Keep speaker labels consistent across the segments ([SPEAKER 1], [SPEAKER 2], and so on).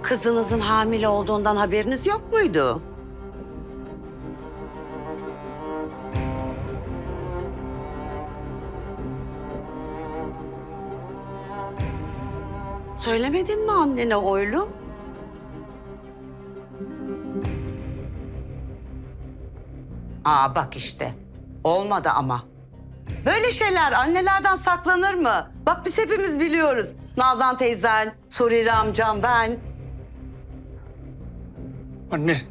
[SPEAKER 1] Kızınızın hamile olduğundan haberiniz yok muydu? Söylemedin mi annene oğlum? Aa bak işte. Olmadı ama. Böyle şeyler annelerden saklanır mı? Bak biz hepimiz biliyoruz. Nazan teyzen, Surire amcam, ben.
[SPEAKER 2] Anne.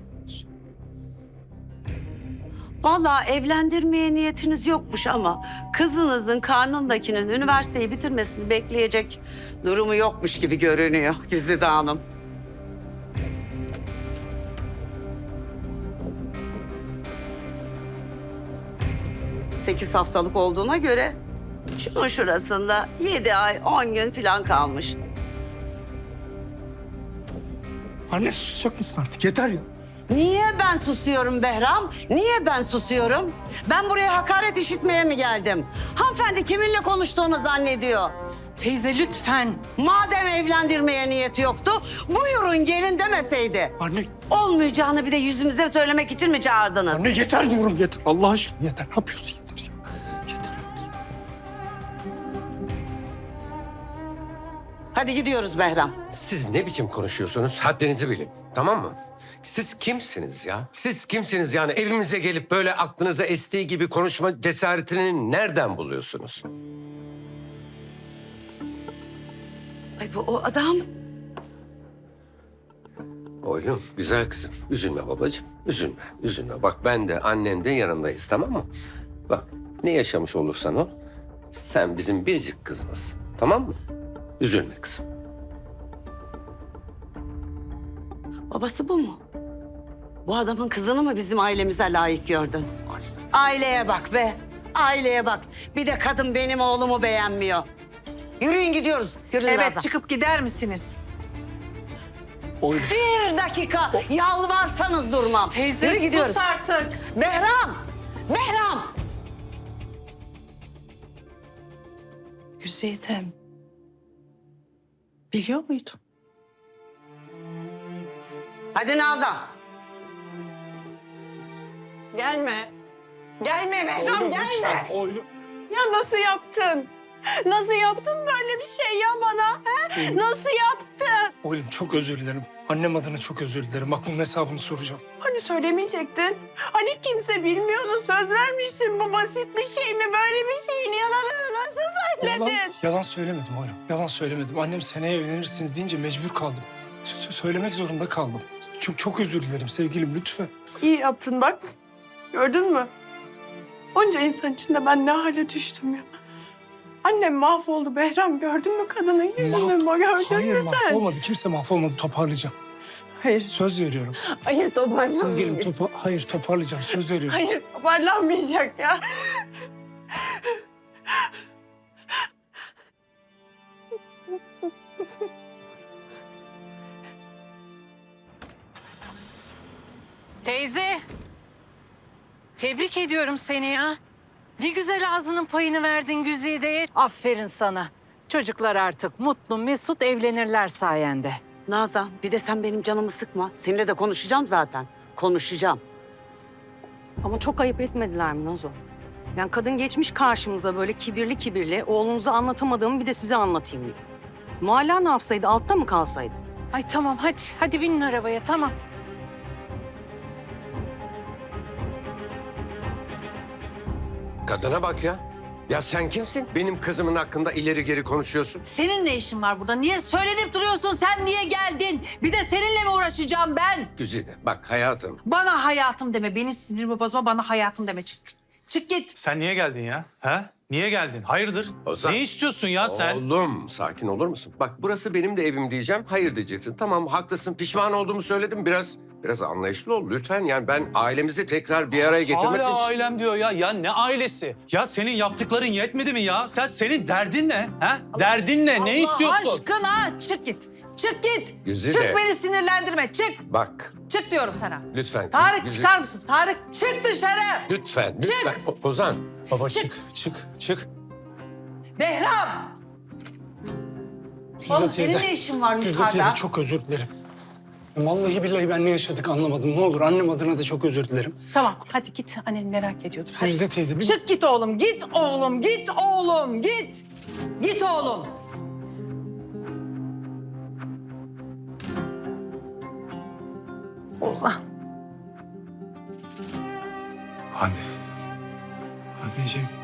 [SPEAKER 1] Vallahi evlendirmeye niyetiniz yokmuş ama kızınızın karnındakinin üniversiteyi bitirmesini bekleyecek durumu yokmuş gibi görünüyor Güzide Hanım. Sekiz haftalık olduğuna göre şunun şurasında 7 ay 10 gün falan kalmış.
[SPEAKER 2] Anne susacak mısın artık? Yeter ya.
[SPEAKER 1] Niye ben susuyorum Behram? Niye ben susuyorum? Ben buraya hakaret işitmeye mi geldim? Hanımefendi kiminle konuştuğunu zannediyor.
[SPEAKER 3] Teyze lütfen.
[SPEAKER 1] Madem evlendirmeye niyeti yoktu, buyurun gelin demeseydi.
[SPEAKER 2] Anne.
[SPEAKER 1] Olmayacağını bir de yüzümüze söylemek için mi çağırdınız?
[SPEAKER 2] Anne yeter diyorum yeter. Allah aşkına yeter. Ne yapıyorsun yeter ya. Yeter.
[SPEAKER 1] Hadi gidiyoruz Behram.
[SPEAKER 4] Siz ne biçim konuşuyorsunuz? Haddinizi bilin. Tamam mı? Siz kimsiniz ya? Siz kimsiniz yani? Evimize gelip böyle aklınıza estiği gibi konuşma cesaretini nereden buluyorsunuz?
[SPEAKER 1] Ay bu o adam.
[SPEAKER 4] Oğlum, güzel kızım. Üzülme babacığım. Üzülme, üzülme. Bak ben de annen de yanındayız, tamam mı? Bak ne yaşamış olursan ol, sen bizim biricik kızımızsın. Tamam mı? Üzülme kızım.
[SPEAKER 1] Babası bu mu? Bu adamın kızını mı bizim ailemize layık gördün? Aileye bak be. Aileye bak. Bir de kadın benim oğlumu beğenmiyor. Yürüyün gidiyoruz. Yürüyün
[SPEAKER 3] Evet
[SPEAKER 1] Nazan.
[SPEAKER 3] çıkıp gider misiniz?
[SPEAKER 2] Oğlum.
[SPEAKER 1] Bir dakika. Yalvarsanız durmam.
[SPEAKER 3] Teyze
[SPEAKER 1] Yürü gidiyoruz.
[SPEAKER 3] sus artık.
[SPEAKER 1] Behram. Behram.
[SPEAKER 3] Güzidem. Biliyor muydun?
[SPEAKER 1] Hadi Nazan.
[SPEAKER 5] Gelme. Gelme Behram gelme.
[SPEAKER 2] Lütfen, oğlum.
[SPEAKER 5] Ya nasıl yaptın? Nasıl yaptın böyle bir şey ya bana? He? Nasıl yaptın?
[SPEAKER 2] Oğlum çok özür dilerim. Annem adına çok özür dilerim. Bak bunun hesabını soracağım.
[SPEAKER 5] Hani söylemeyecektin? Hani kimse bilmiyordu, söz vermiştin. Bu basit bir şey mi? Böyle bir şeyin yalanını nasıl söyledin?
[SPEAKER 2] Yalan söylemedim oğlum. Yalan söylemedim. Annem seneye evlenirsiniz deyince mecbur kaldım. Söylemek zorunda kaldım. Çok özür dilerim sevgilim lütfen.
[SPEAKER 5] İyi yaptın bak. Gördün mü? Onca insan içinde ben ne hale düştüm ya. Annem mahvoldu Behram. Gördün mü kadının yüzünü? Gördün
[SPEAKER 2] Hayır
[SPEAKER 5] mü sen?
[SPEAKER 2] mahvolmadı. Kimse mahvolmadı. Toparlayacağım.
[SPEAKER 5] Hayır.
[SPEAKER 2] Söz veriyorum.
[SPEAKER 5] Hayır
[SPEAKER 2] Sevgilim
[SPEAKER 5] toparlanmayacak.
[SPEAKER 2] hayır toparlayacağım. Söz veriyorum.
[SPEAKER 5] Hayır toparlanmayacak ya.
[SPEAKER 3] Teyze. Tebrik ediyorum seni ya. Ne güzel ağzının payını verdin Güzide'ye. Aferin sana. Çocuklar artık mutlu mesut evlenirler sayende.
[SPEAKER 1] Nazan bir de sen benim canımı sıkma. Seninle de konuşacağım zaten. Konuşacağım.
[SPEAKER 6] Ama çok ayıp etmediler mi Nazo? Yani kadın geçmiş karşımıza böyle kibirli kibirli. Oğlunuza anlatamadığımı bir de size anlatayım diyor. Mualla ne yapsaydı? Altta mı kalsaydı?
[SPEAKER 3] Ay tamam hadi. Hadi binin arabaya tamam.
[SPEAKER 4] Kadına bak ya. Ya sen kimsin? Benim kızımın hakkında ileri geri konuşuyorsun.
[SPEAKER 7] Senin ne işin var burada? Niye söylenip duruyorsun? Sen niye geldin? Bir de seninle mi uğraşacağım ben?
[SPEAKER 4] Güzide bak hayatım.
[SPEAKER 7] Bana hayatım deme. Benim sinirimi bozma. Bana hayatım deme. Çık, çık git.
[SPEAKER 8] Sen niye geldin ya? Ha? Niye geldin? Hayırdır?
[SPEAKER 4] Ozan.
[SPEAKER 8] Ne istiyorsun ya sen?
[SPEAKER 4] Oğlum sakin olur musun? Bak burası benim de evim diyeceğim. Hayır diyeceksin. Tamam haklısın. Pişman olduğumu söyledim. Biraz anlayışlı ol lütfen. Yani ben ailemizi tekrar bir araya getirmek
[SPEAKER 8] Hala
[SPEAKER 4] için...
[SPEAKER 8] ailem diyor ya. Ya ne ailesi? Ya senin yaptıkların yetmedi mi ya? Senin derdin ne? Ha? Derdin ne? Ne istiyorsun?
[SPEAKER 7] Allah aşkına çık git. Çık git.
[SPEAKER 4] Güzide.
[SPEAKER 7] Çık beni sinirlendirme. Çık.
[SPEAKER 4] Bak
[SPEAKER 7] Çık diyorum sana.
[SPEAKER 4] lütfen.
[SPEAKER 7] Tarık
[SPEAKER 4] Güzide-
[SPEAKER 7] çıkar mısın? Tarık çık dışarı.
[SPEAKER 4] Lütfen.
[SPEAKER 7] Çık.
[SPEAKER 4] Ozan.
[SPEAKER 8] Baba
[SPEAKER 7] Çık.
[SPEAKER 8] çık.
[SPEAKER 7] Behram. Oğlum senin ne işin var
[SPEAKER 2] Güzide
[SPEAKER 7] yukarıda?
[SPEAKER 2] teyze çok özür dilerim. Vallahi billahi ben ne yaşadık anlamadım. Ne olur annem adına da çok özür dilerim.
[SPEAKER 7] Tamam hadi git, annen merak ediyordur. Hadi.
[SPEAKER 2] Güzide teyze.
[SPEAKER 7] Çık git oğlum, git oğlum, git oğlum, git. Git oğlum. Ozan.
[SPEAKER 2] Anne. Anneciğim.